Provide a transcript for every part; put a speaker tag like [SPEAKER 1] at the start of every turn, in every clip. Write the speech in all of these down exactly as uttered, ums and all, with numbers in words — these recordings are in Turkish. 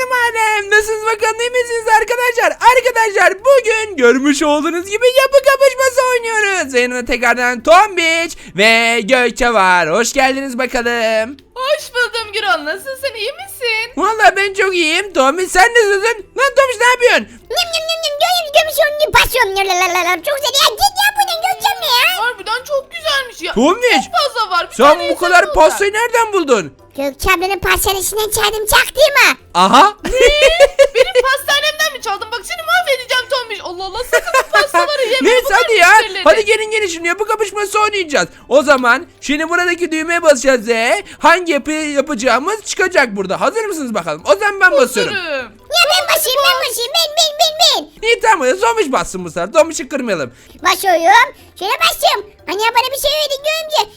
[SPEAKER 1] Canım alem, nasılsınız bakalım, iyi misiniz arkadaşlar? Arkadaşlar bugün görmüş olduğunuz gibi yapı kapışması oynuyoruz. Yanımda tekrardan Tombiç ve Gökçe var. Hoş geldiniz bakalım.
[SPEAKER 2] Hoş buldum Gürol. Nasılsın? İyi misin?
[SPEAKER 1] Vallahi ben çok iyiyim. Tombiç sen nasılsın? Lan Tombiç ne yapıyorsun?
[SPEAKER 3] Nyam nyam nyam nyam göğüm gömüşüm pasyon lalalala çok güzel ya git ya buradan Gökçem ne ya?
[SPEAKER 2] Harbiden çok güzelmiş ya.
[SPEAKER 1] Tombiç,
[SPEAKER 2] Çok fazla var. Bir
[SPEAKER 1] sen
[SPEAKER 2] tane
[SPEAKER 1] bu
[SPEAKER 2] yesem
[SPEAKER 1] kadar
[SPEAKER 2] olur.
[SPEAKER 1] pastayı nereden buldun?
[SPEAKER 3] Gökçe ablanın pastanesinden çaydım çak değil mi?
[SPEAKER 1] Aha.
[SPEAKER 2] Benim pastanemden mi çaldın? Bak seni mahvedeceğim Tombiş. Allah Allah sakın bu pastaları yeme.
[SPEAKER 1] Neyse
[SPEAKER 2] Bunlar
[SPEAKER 1] hadi ya.
[SPEAKER 2] müşterileri.
[SPEAKER 1] Hadi gelin gelin şimdi yapı kapışması oynayacağız. O zaman şimdi buradaki düğmeye basacağız ve hangi yapıyı yapacağımız çıkacak burada. Hazır mısınız bakalım? O zaman ben basıyorum.
[SPEAKER 2] Hazırım.
[SPEAKER 3] Ya ben basayım ben basayım ben ben ben ben.
[SPEAKER 1] İyi tamam ya, Tomuş bassın bu sefer. Tomuş'u kırmayalım.
[SPEAKER 3] Basıyorum. Şöyle bastım. Hani ya bana bir şey öğretin Gökçe.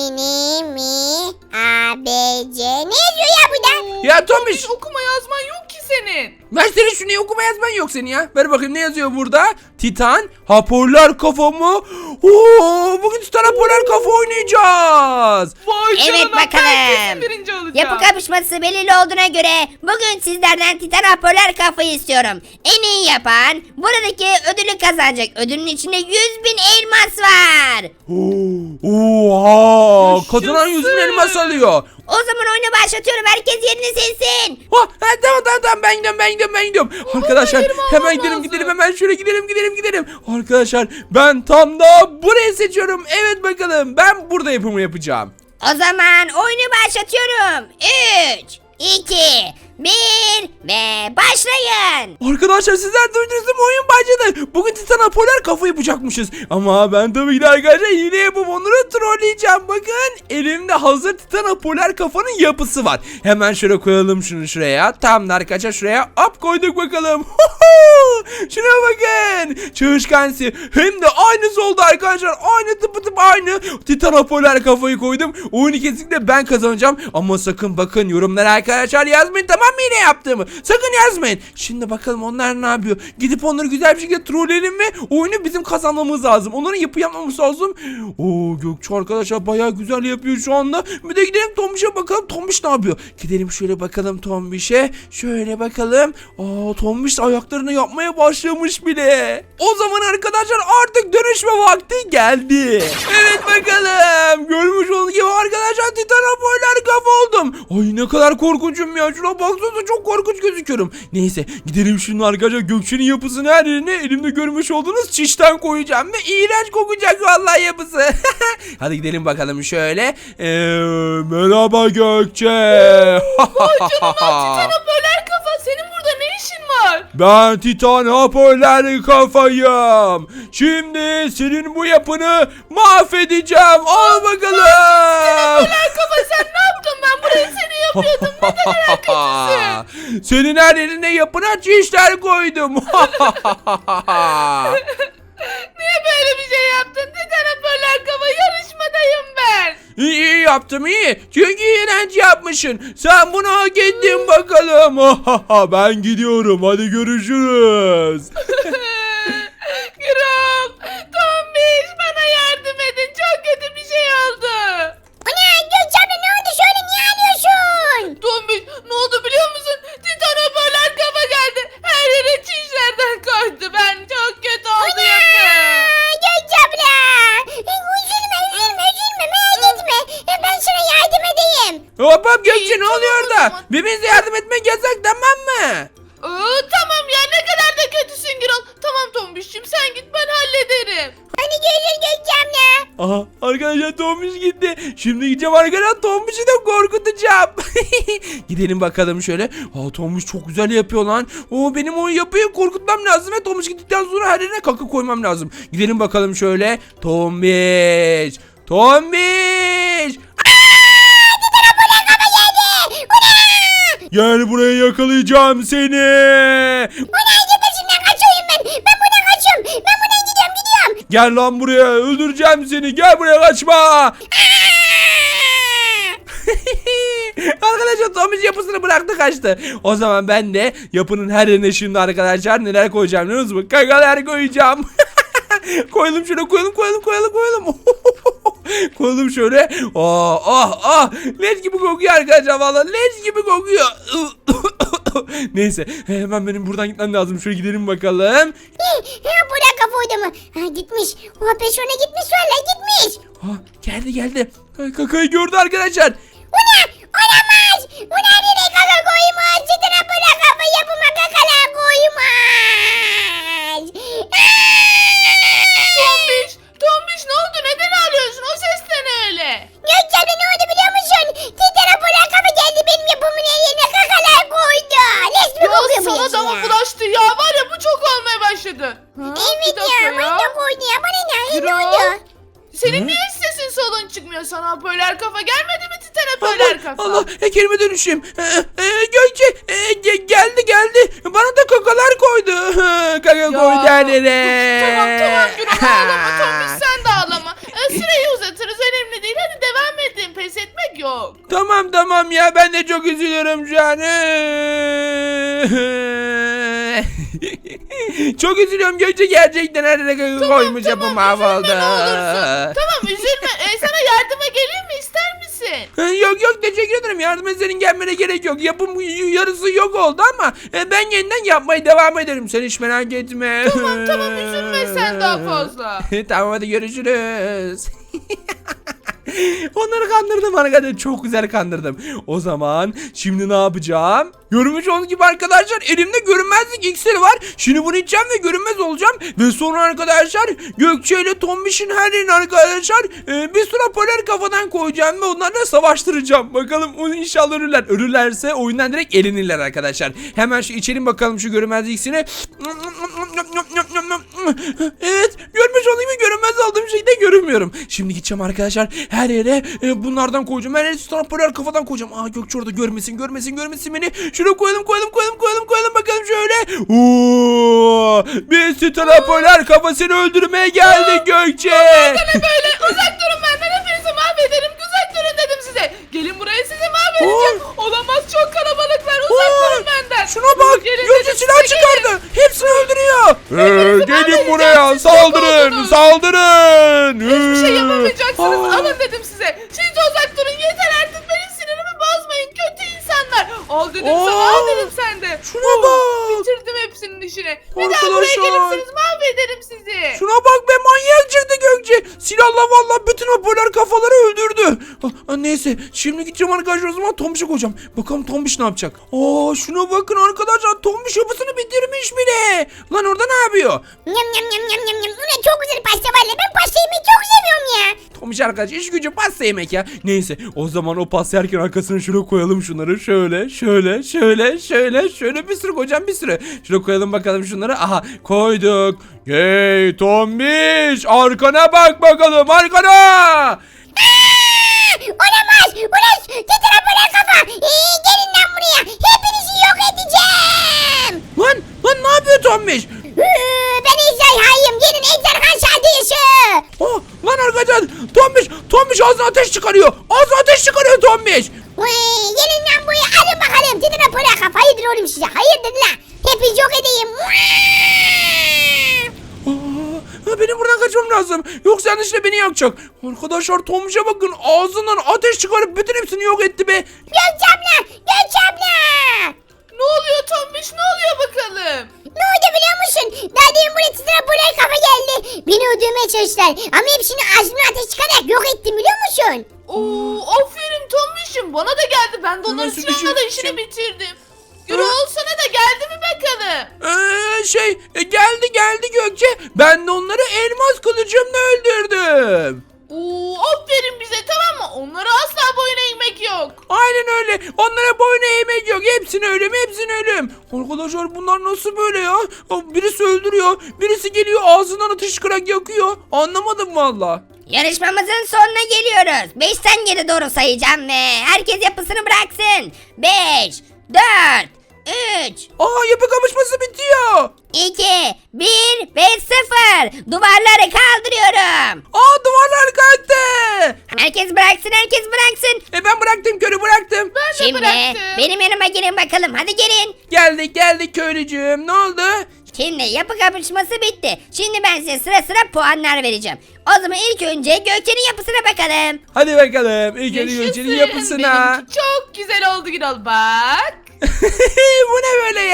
[SPEAKER 3] İni mi A B C ne yazıyor ya burada?
[SPEAKER 1] Ya Tomuş,
[SPEAKER 2] Hiç okuma yazman yok ki senin.
[SPEAKER 1] ver seni şunu, okuma yazman yok senin ya. Ver bakayım ne yazıyor burada? Titan, hoparlör kafa mı? Oo, bugün Titan hoparlör kafa oynayacağız.
[SPEAKER 2] Vay
[SPEAKER 4] Evet
[SPEAKER 2] canına, ben
[SPEAKER 4] bakalım.
[SPEAKER 2] kesin birinci olacağım.
[SPEAKER 4] Yapı kapışması belirli olduğuna göre bugün sizlerden Titan hoparlör kafayı istiyorum. En iyi yapan buradaki ödülü kazanacak. Ödülün içinde yüz bin elmas var.
[SPEAKER 1] Oo, Oha,
[SPEAKER 2] Yaşasın.
[SPEAKER 1] kazanan yüz bin elmas alıyor.
[SPEAKER 4] O zaman oyunu başlatıyorum. Herkes yerini silsin.
[SPEAKER 1] Ha, ha, tamam tamam tamam ben gidiyorum ben gidiyorum ben gidiyorum. Arkadaşlar
[SPEAKER 2] yerimi almam
[SPEAKER 1] hemen gidelim
[SPEAKER 2] lazım.
[SPEAKER 1] gidelim hemen şöyle gidelim gidelim gidelim. Arkadaşlar ben tam da burayı seçiyorum. Evet bakalım ben burada yapımı yapacağım.
[SPEAKER 4] O zaman oyunu başlatıyorum. üç, iki, bir ve başlayın.
[SPEAKER 1] Arkadaşlar sizler duydunuz mu, oyun başladı. Bugün Titan Apoller kafa yapacakmışız. Ama ben tabii ki de arkadaşlar hile yapıp onları trolleyeceğim. Bakın elimde hazır Titan Apoller kafanın yapısı var. Hemen şöyle koyalım şunu şuraya. Tamam da arkadaşlar şuraya hop koyduk bakalım. Şuna bakın. Çalışkansı. Hem de aynısı oldu arkadaşlar. Aynı tıpı tıp aynı. Titan Apoller kafayı koydum. Oyunu kesinlikle ben kazanacağım. Ama sakın bakın yorumlara arkadaşlar yazmayın, tamam mı yine yaptığımı? Sakın yazmayın. Şimdi bakalım onlar ne yapıyor. Gidip onları güzel bir şekilde trolleyelim ve oyunu bizim kazanmamız lazım. Onların yapı yapmamız lazım. Oo, Gökçe arkadaşlar bayağı güzel yapıyor şu anda. Bir de gidelim Tombiş'e bakalım. Tombiş ne yapıyor? Gidelim şöyle bakalım Tombiş'e. Şöyle bakalım. Aa, Tombiş ayaklarını yapmaya başlamış bile. O zaman arkadaşlar artık dönüşme vakti geldi. Evet bakalım. Görmüş olduğunuz gibi arkadaşlar Titan Apoller kafa oldum. Ay ne kadar korkunçum ya. Şuna baksanıza çok korkunç gözüküyorum. Neyse gidelim şunun arkadaşlar Gökçe'nin yapısını her yerine elimde görmüş olduğunuz çişten koyacağım ve iğrenç kokacak vallahi yapısı. Hadi gidelim bakalım şöyle. Ee, merhaba Gökçe.
[SPEAKER 2] Vay canına Titan hoparlör kafa. Senin burada ne işin var?
[SPEAKER 1] Ben Titan hoparlör kafayım. Şimdi senin bu yapını mahvedeceğim. Al bakalım.
[SPEAKER 2] Hoparlör kafa sen ne yaptın? Ben burayı seni yapıyordum. Ne kadar kötüsün.
[SPEAKER 1] Senin her yerine yapına çişler koydum.
[SPEAKER 2] Niye böyle bir şey yaptın? Titan hoparlör kafa, yarışmadayım ben.
[SPEAKER 1] İyi, iyi yaptım iyi. Çünkü iğrenç yapmışsın. Sen bunu hak ettin bakalım. Ben gidiyorum. Hadi görüşürüz.
[SPEAKER 2] Gürol, Tombiş bana yardım edin. Çok kötü bir şey oldu.
[SPEAKER 3] Ana Gökçe abla ne oldu şöyle niye ağlıyorsun?
[SPEAKER 2] Tombiş ne oldu biliyor musun? Titan hoparlör kafa geldi. Her yere çişlerden koydu. Ben çok kötü oldu yapı.
[SPEAKER 3] Aa, Gökçe abla. Üzülme üzülme üzülme merak etme. Ben sana yardım edeyim.
[SPEAKER 1] Hop hop Gökçe
[SPEAKER 2] İyi,
[SPEAKER 1] ne oluyor
[SPEAKER 2] tamam o
[SPEAKER 1] orada?
[SPEAKER 2] zaman.
[SPEAKER 1] Birbirinize yardım etmek yasak, tamam mı?
[SPEAKER 2] Aa, tamam ya ne kadar da kötüsün Gürol. Tamam Tombiş'cim sen git ben hallederim.
[SPEAKER 3] Hadi görüşürüz Gökçe abla.
[SPEAKER 1] Aha arkadaşlar Tombiş gitti. Şimdi gideceğim arkadaşlar Tombiş'i de korkutacağım. Gidelim bakalım şöyle. Aa, Tombiş çok güzel yapıyor lan. Oo, benim o yapıyı korkutmam lazım ve Tombiş gittikten sonra her yerine kaka koymam lazım. Gidelim bakalım şöyle. Tombiş. Tombiş. Gel buraya, yakalayacağım seni.
[SPEAKER 3] Ulan git peşimden kaçıyorum ben. Ben buradan kaçıyorum. Ben buradan gidiyorum gidiyorum.
[SPEAKER 1] Gel lan buraya, öldüreceğim seni. Gel buraya, kaçma. Arkadaşlar Tombiş yapısını bıraktı kaçtı. O zaman ben de yapının her yerine şimdi arkadaşlar neler koyacağım biliyor musunuz? Kakalar koyacağım. Koyalım şöyle, koyalım koyalım koyalım koyalım. Koyalım şöyle. Oh oh oh. Leş gibi kokuyor arkadaşlar, vallahi leş gibi kokuyor. Neyse hemen benim buradan gitmem lazım. Şöyle gidelim bakalım.
[SPEAKER 3] Ha, Polar kafa orada mı? Ha, gitmiş. O peşine gitmiş valla gitmiş.
[SPEAKER 1] Ha, geldi geldi. Ay, kakayı gördü arkadaşlar.
[SPEAKER 3] O ne? Olamaz. O ne nereye kaka koymuş? Cidden Polar kafa yapıma kakalar koymuş.
[SPEAKER 2] Tombiş, Tombiş ne oldu? Neden ağlıyorsun? O ses de ne öyle?
[SPEAKER 3] Gökçen'e ne oldu biliyor musun? Cidden Polar kafa geldi benim yapımın yerine kakalar koydu. Resmi kokuyor
[SPEAKER 2] Ya
[SPEAKER 3] bu
[SPEAKER 2] sana
[SPEAKER 3] yaşı
[SPEAKER 2] da mı
[SPEAKER 3] ya.
[SPEAKER 2] bulaştı ya? Var ya bu çok olmaya başladı. Ha,
[SPEAKER 3] Evet
[SPEAKER 2] bir dakika
[SPEAKER 3] ya. Bana da koydu ya. Bana ne? Ne
[SPEAKER 2] Gürol,
[SPEAKER 3] oldu?
[SPEAKER 2] senin niye sesin solun çıkmıyor sana Polar kafa? Gelmedi mi Titan'a Polar kafa?
[SPEAKER 1] Allah e, kelime dönüşüm. E, e, Gökçe e, ge- geldi geldi. Bana da kakalar koydu. Kaka
[SPEAKER 2] Ya,
[SPEAKER 1] koydu annene.
[SPEAKER 2] Tamam tamam Gürol ağlama Tombiş sen de ağlama. Ee, süreyi uzatırız önemli değil. Hadi devam edin. Pes etmek yok.
[SPEAKER 1] Tamam tamam ya ben de çok üzülüyorum şu an. Çok üzülüyorum Gökçe gerçekten her yere kaka koymuş yapım mahvoldu.
[SPEAKER 2] Üzülme ne olursun. Tamam üzülme. Ee, sana yardıma geleyim mi ister misin?
[SPEAKER 1] Yok yok teşekkür ederim. Yardıma senin gelmene gerek yok. Yapım yarısı yok oldu ama e, ben yeniden yapmaya devam ederim. Sen hiç merak etme.
[SPEAKER 2] Tamam tamam üzülme sen daha fazla.
[SPEAKER 1] Tamam hadi görüşürüz. Onları kandırdım arkadaşlar. Çok güzel kandırdım. O zaman şimdi ne yapacağım? Görmüş olduğunuz gibi arkadaşlar elimde görünmezlik iksiri var. Şimdi bunu içeceğim ve görünmez olacağım. Ve sonra arkadaşlar Gökçe ile Tombiş'in her yerini arkadaşlar e, bir sürü polar kafadan koyacağım ve onlarla savaştıracağım. Bakalım o inşallah ölürler. Ölürlerse oyundan direkt elenirler arkadaşlar. Hemen şu içelim bakalım şu görünmezlik iksirini. Evet görmüş olduğum gibi görünmez olduğum şeyde görünmüyorum. Şimdi gideceğim arkadaşlar her yere e, bunlardan koyacağım. Her yere sonra polar kafadan koyacağım. Aa Gökçe orada görmesin görmesin görmesin beni. Şuraya koyalım koyalım koyalım koyalım koyalım bakalım şöyle. Oo, bir Stella polar kafasını öldürmeye geldi Gökçe.
[SPEAKER 2] Ne böyle uzak durun benden hepinizi mahvederim. Uzak durun dedim size. Gelin buraya sizi mahvedeceğim. Olamaz çok kalabalıklar uzak
[SPEAKER 1] Oo,
[SPEAKER 2] durun benden.
[SPEAKER 1] şuna bak
[SPEAKER 2] Gelin
[SPEAKER 1] Gökçe
[SPEAKER 2] dedim
[SPEAKER 1] silah
[SPEAKER 2] size,
[SPEAKER 1] çıkardı. Hepsini öldürüyor. Ee, gelin
[SPEAKER 2] mahvedeceğim,
[SPEAKER 1] buraya
[SPEAKER 2] siz
[SPEAKER 1] saldırın
[SPEAKER 2] yok oldunuz.
[SPEAKER 1] saldırın.
[SPEAKER 2] Hiçbir şey yapamayacaksınız.
[SPEAKER 1] Aa.
[SPEAKER 2] Alın dedim size. Siz de uzak durun yeter artık benim sinirimi bozmayın kötü insanlar. Al dedim
[SPEAKER 1] Oo.
[SPEAKER 2] sana al dedim sen de.
[SPEAKER 1] Şuna
[SPEAKER 2] Oh,
[SPEAKER 1] bak.
[SPEAKER 2] Bitirdim hepsinin işini. Bir daha buraya
[SPEAKER 1] Arkadaşlar.
[SPEAKER 2] gelirsiniz mahvederim sizi.
[SPEAKER 1] Şuna bak be manyak çıktı Gökçe. Silahla vallahi bütün o polar kafaları öldürdü. Ah, ah, neyse şimdi gideceğim arkadaşlar o zaman Tombiş'e koyacağım. Bakalım Tombiş ne yapacak? Aa şuna bakın arkadaşlar Tombiş yapısını bitirmiş bile. Lan orada ne yapıyor?
[SPEAKER 3] Nyam nyam nyam nyam nyam nyam. Ulan çok güzel pasta var ya. Ben pasta yemeyi çok seviyorum ya.
[SPEAKER 1] Tombiş arkadaş iş gücü pasta yemek ya. Neyse o zaman o pasta yerken arkasına şöyle koyalım şunları. Şöyle şöyle şöyle şöyle şöyle bir sürü koyacağım bir sürü. Şöyle koyalım bakalım şunları. Aha koyduk. Hey Tombiş arkana bak bakalım arkana.
[SPEAKER 3] Aa, olamaz. Ulan titre Polar kafa. Ee, gelin lan buraya. Hepinizi yok edeceğim.
[SPEAKER 1] Lan lan ne yapıyor Tombiş?
[SPEAKER 3] Ee, ben ejderhayım. Gelin ejderha şadıyışı.
[SPEAKER 1] Oh, lan arkadaşlar Tombiş Tombiş ağzına ateş çıkarıyor. Ağzına ateş çıkarıyor Tombiş.
[SPEAKER 3] Ee, gelin lan buraya. Alın bakalım. Titre Polar kafa. Hayırdır oğlum size. Hayırdır lan. Hepinizi yok edeyim.
[SPEAKER 1] Aa, benim buradan kaçmam lazım. Yoksa yanlışlıkla beni yakacak. Arkadaşlar Tombiş'e bakın ağzından ateş çıkarıp bütün hepsini yok etti be.
[SPEAKER 3] Gökçe abla. Gökçe abla.
[SPEAKER 2] Ne oluyor Tombiş ne oluyor bakalım?
[SPEAKER 3] Ne oldu biliyor musun? Daha demin buraya titre Polar kafa geldi. Beni öldürmeye çalıştılar. Ama hepsini ağzımdan ateş çıkararak yok ettim biliyor musun?
[SPEAKER 2] Oo, aferin Tombiş'im bana da geldi. Ben de onların
[SPEAKER 1] Nasıl
[SPEAKER 2] silahla da
[SPEAKER 1] bir
[SPEAKER 2] işini
[SPEAKER 1] şey?
[SPEAKER 2] bitirdim. Gürol sana da geldi mi bakalım?
[SPEAKER 1] Ee, şey e, geldi geldi Gökçe. Ben de onları elmas kılıcımla öldürdüm.
[SPEAKER 2] Oo, aferin bize tamam mı? Onlara asla boyun eğmek yok.
[SPEAKER 1] Aynen öyle. Onlara boyun eğmek yok. Hepsini ölüm, hepsini ölüm. Arkadaşlar bunlar nasıl böyle ya? Birisi öldürüyor, birisi geliyor ağzından ateş çıkarak yakıyor. Anlamadım valla.
[SPEAKER 4] Yarışmamızın sonuna geliyoruz. beşten geri doğru sayacağım ve herkes yapısını bıraksın. beş, dört, üç,
[SPEAKER 1] Aa yapı kapışması bitiyor.
[SPEAKER 4] iki, bir ve sıfır. Duvarları kaldırıyorum.
[SPEAKER 1] Aa duvarlar kalktı.
[SPEAKER 4] Herkes bıraksın, herkes bıraksın.
[SPEAKER 1] E ben bıraktım körü bıraktım.
[SPEAKER 2] Ben de
[SPEAKER 4] Şimdi
[SPEAKER 2] bıraktım.
[SPEAKER 4] benim yanıma gelin bakalım. Hadi gelin.
[SPEAKER 1] Geldik geldik köylücüğüm. Ne oldu?
[SPEAKER 4] Şimdi yapı kapışması bitti. Şimdi ben size sıra sıra puanlar vereceğim. O zaman ilk önce Gökçe'nin yapısına bakalım.
[SPEAKER 1] Hadi bakalım. İlk önce
[SPEAKER 2] Yaşasın.
[SPEAKER 1] Gökçe'nin yapısına.
[SPEAKER 2] Benimki çok güzel oldu Gürol bak.
[SPEAKER 1] Bu ne böyle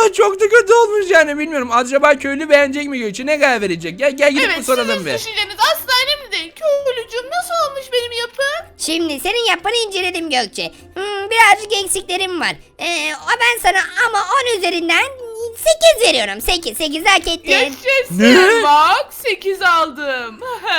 [SPEAKER 1] Aa, çok da kötü olmuş yani bilmiyorum. Acaba köylü beğenecek mi Gökçe? Ne kadar verecek? Gel gel gidip
[SPEAKER 2] Evet,
[SPEAKER 1] bir soralım
[SPEAKER 2] sizin
[SPEAKER 1] bir.
[SPEAKER 2] düşünceniz asla önemli değil. Köylücüğüm nasıl olmuş benim yapım?
[SPEAKER 4] Şimdi senin yapını inceledim Gökçe. Hmm, birazcık eksiklerim var. Ee, ben sana ama on üzerinden sekiz veriyorum. sekiz. sekiz hak ettin.
[SPEAKER 2] Yaşasın.
[SPEAKER 1] Ne?
[SPEAKER 2] Bak sekiz aldım.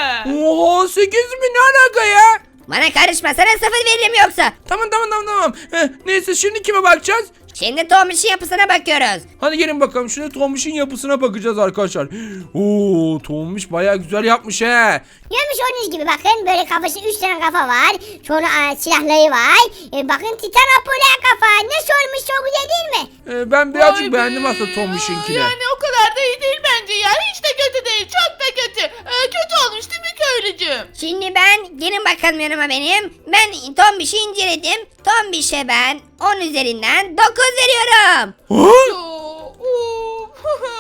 [SPEAKER 1] Oha sekiz mi? Ne alaka ya?
[SPEAKER 4] Bana karışma, sana sıfır veririm yoksa.
[SPEAKER 1] Tamam tamam tamam tamam. Heh, neyse şimdi kime bakacağız?
[SPEAKER 4] Şimdi Tomiş'in yapısına bakıyoruz.
[SPEAKER 1] Hadi gelin bakalım şimdi Tomiş'in yapısına bakacağız arkadaşlar. Oo Tomiş bayağı güzel yapmış he.
[SPEAKER 3] Görmüş olduğunuz gibi bakın böyle kafasında üç tane kafa var. Sonra aa, silahları var. E, bakın Titan Apoller kafa. Nasıl olmuş, çok güzel değil mi?
[SPEAKER 1] Ee, ben birazcık
[SPEAKER 2] Vay be.
[SPEAKER 1] beğendim aslında Tomiş'inkini.
[SPEAKER 2] Yani o kadar da iyi değil bence ya. Hiç de kötü değil. Çok da kötü. Ee, kötü olmuş değil mi köylücüğüm?
[SPEAKER 4] Şimdi ben, gelin bakalım yanıma benim. Ben Tomiş'i inceledim. Tomiş'e ben on üzerinden dokuz veriyorum.
[SPEAKER 1] Ha?
[SPEAKER 2] Oo, of.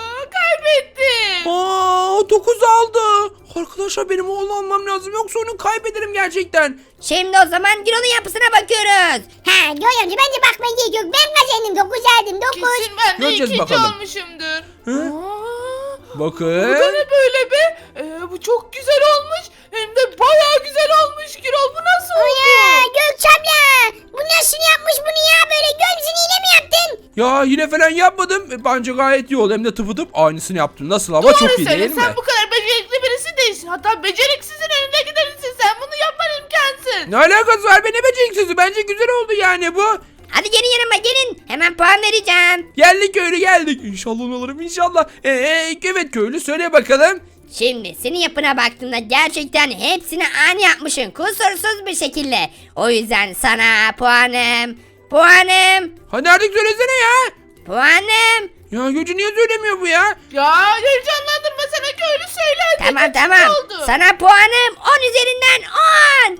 [SPEAKER 2] Kaybettim.
[SPEAKER 1] Aa dokuz aldı. Arkadaşlar benim oğlu almam lazım yoksa onu kaybederim gerçekten.
[SPEAKER 4] Şimdi o zaman Giro'nun yapısına bakıyoruz.
[SPEAKER 3] Ha görüyorum, bence bakmaya gerek yok. Ben kazandım, dokuz aldım, dokuz.
[SPEAKER 2] Kesin ben de
[SPEAKER 1] Göreceğiz
[SPEAKER 2] ikinci
[SPEAKER 1] bakalım.
[SPEAKER 2] olmuşumdur.
[SPEAKER 1] Hı?
[SPEAKER 2] Aa, bu da
[SPEAKER 1] Bakın.
[SPEAKER 2] ne böyle be? Ee, bu çok güzel olmuş. Hem de bayağı güzel olmuş Gürol. Bu nasıl oldu?
[SPEAKER 3] Ya Gökçem ya. Bu nasıl yapmış bunu ya, böyle gömsün yine mi yaptın?
[SPEAKER 1] Ya yine falan yapmadım. E, Bence gayet iyi oldu. Hem de tıpıtıp aynısını yaptım. Nasıl ama
[SPEAKER 2] Doğru
[SPEAKER 1] çok iyi
[SPEAKER 2] söyle,
[SPEAKER 1] değil mi?
[SPEAKER 2] sen bu kadar becerikli birisi değilsin. Hatta beceriksizin önünde giderisin. Sen bunu yapman imkansız.
[SPEAKER 1] Ne alakası var be, ne beceriksizi? Bence güzel oldu yani bu.
[SPEAKER 4] Hadi gelin yanıma gelin. Hemen puan vereceğim.
[SPEAKER 1] Geldik köylü geldik. İnşallah onu alırım inşallah. Ee, evet köylü söyle bakalım.
[SPEAKER 4] Şimdi senin yapına baktığımda gerçekten hepsini aynı yapmışsın. Kusursuz bir şekilde. O yüzden sana puanım. Puanım.
[SPEAKER 1] Hadi artık söylesene ya.
[SPEAKER 4] Puanım.
[SPEAKER 1] Ya Gökçe niye söylemiyor bu ya?
[SPEAKER 2] Ya heyecanlandırma sana köylü söyle. hadi.
[SPEAKER 4] Tamam
[SPEAKER 2] Kaçıncı
[SPEAKER 4] tamam.
[SPEAKER 2] oldu?
[SPEAKER 4] Sana puanım on üzerinden on.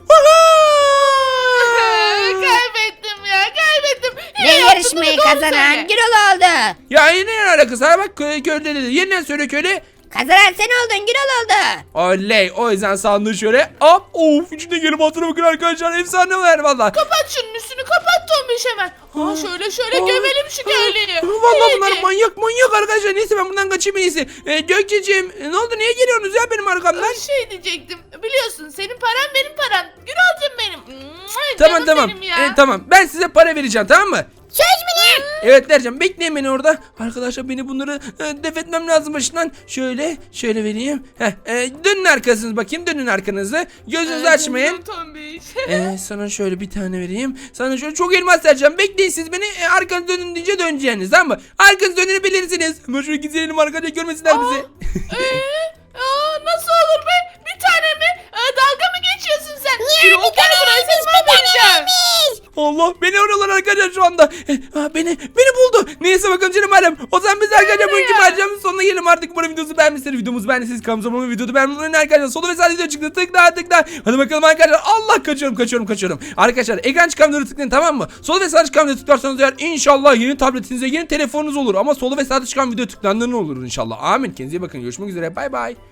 [SPEAKER 2] Kaybettim ya, kaybettim. Yine
[SPEAKER 4] Ve
[SPEAKER 2] yaptın,
[SPEAKER 4] yarışmayı
[SPEAKER 2] değil mi? Doğru
[SPEAKER 4] kazanan
[SPEAKER 2] söyle.
[SPEAKER 4] Gürol oldu.
[SPEAKER 1] Ya yine ne alakası var? Bak köylü köylü dedi. Yeniden söyle köylü.
[SPEAKER 4] Kazanan sen oldun, Gürol oldu.
[SPEAKER 1] Oley. O yüzden sandığı şöyle. Hop. Of. İçinde gelip hatırına bakın arkadaşlar. Efsane var valla.
[SPEAKER 2] Kapat şunun üstünü, kapat Tombiş hemen. Ha şöyle şöyle
[SPEAKER 1] Aa.
[SPEAKER 2] gömelim şu köylüyü.
[SPEAKER 1] Valla bunlar
[SPEAKER 2] İyice.
[SPEAKER 1] manyak manyak arkadaşlar. Neyse ben buradan kaçayım en iyisi. Ee, Gökçeciğim e, ne oldu? Niye geliyorsunuz ya benim arkamdan?
[SPEAKER 2] Bir şey diyecektim. Biliyorsun senin paran benim param. Gürolcum benim. Mua,
[SPEAKER 1] Tamam
[SPEAKER 2] canım
[SPEAKER 1] tamam.
[SPEAKER 2] benim ya.
[SPEAKER 1] Ee, tamam. Ben size para vereceğim tamam mı?
[SPEAKER 3] Söz mü ne?
[SPEAKER 1] Evet vereceğim. Bekleyin beni orada. Arkadaşlar beni bunları e, def etmem lazım başından. Şöyle şöyle vereyim. Heh, e, dönün arkanızı bakayım. Dönün arkanızı. Gözünüzü
[SPEAKER 2] Ay,
[SPEAKER 1] açmayın.
[SPEAKER 2] canım Tombiş.
[SPEAKER 1] Ee, sana şöyle bir tane vereyim. Sana şöyle çok elmas vereceğim. Bekleyin siz beni. E, arkanız dönün deyince döneceğiniz tamam mı? Arkanız döneni bilirsiniz. Ama şöyle gidelim arkadaşlar görmesinler bizi.
[SPEAKER 2] Ee, aa, nasıl olur be? Bir tane mi? Ee, dalga mı geçiyorsun sen?
[SPEAKER 3] Ya
[SPEAKER 2] Gürol,
[SPEAKER 3] bir tane
[SPEAKER 2] gel buraya,
[SPEAKER 3] vermiş,
[SPEAKER 2] seni
[SPEAKER 3] bir tane
[SPEAKER 2] mahvedeceğim.
[SPEAKER 3] vermiş.
[SPEAKER 1] Allah beni arıyorlar arkadaşlar şu anda. Eh, ah, beni beni buldu. Neyse bakalım canım alem. O zaman biz arkadaşlar bugünkü maceramızın sonuna gelelim artık. Umarım videomuzu beğenmişsiniz. Videomuzu beğendiyseniz kanalımıza abone olmayı, videoyu beğenmeyi unutmayın arkadaşlar. Solda ve sağda video çıktı. Tıkla tıkla. Hadi bakalım arkadaşlar. Allah kaçıyorum kaçıyorum kaçıyorum. Arkadaşlar ekran çıkan videoları tıklayın tamam mı? Solda ve sağda çıkan videoyu tıklarsanız eğer inşallah yeni tabletinize yeni telefonunuz olur. Ama solda ve sağda çıkan video tıklandığında olur inşallah. Amin. Kendinize iyi bakın. Görüşmek üzere. Bay bay.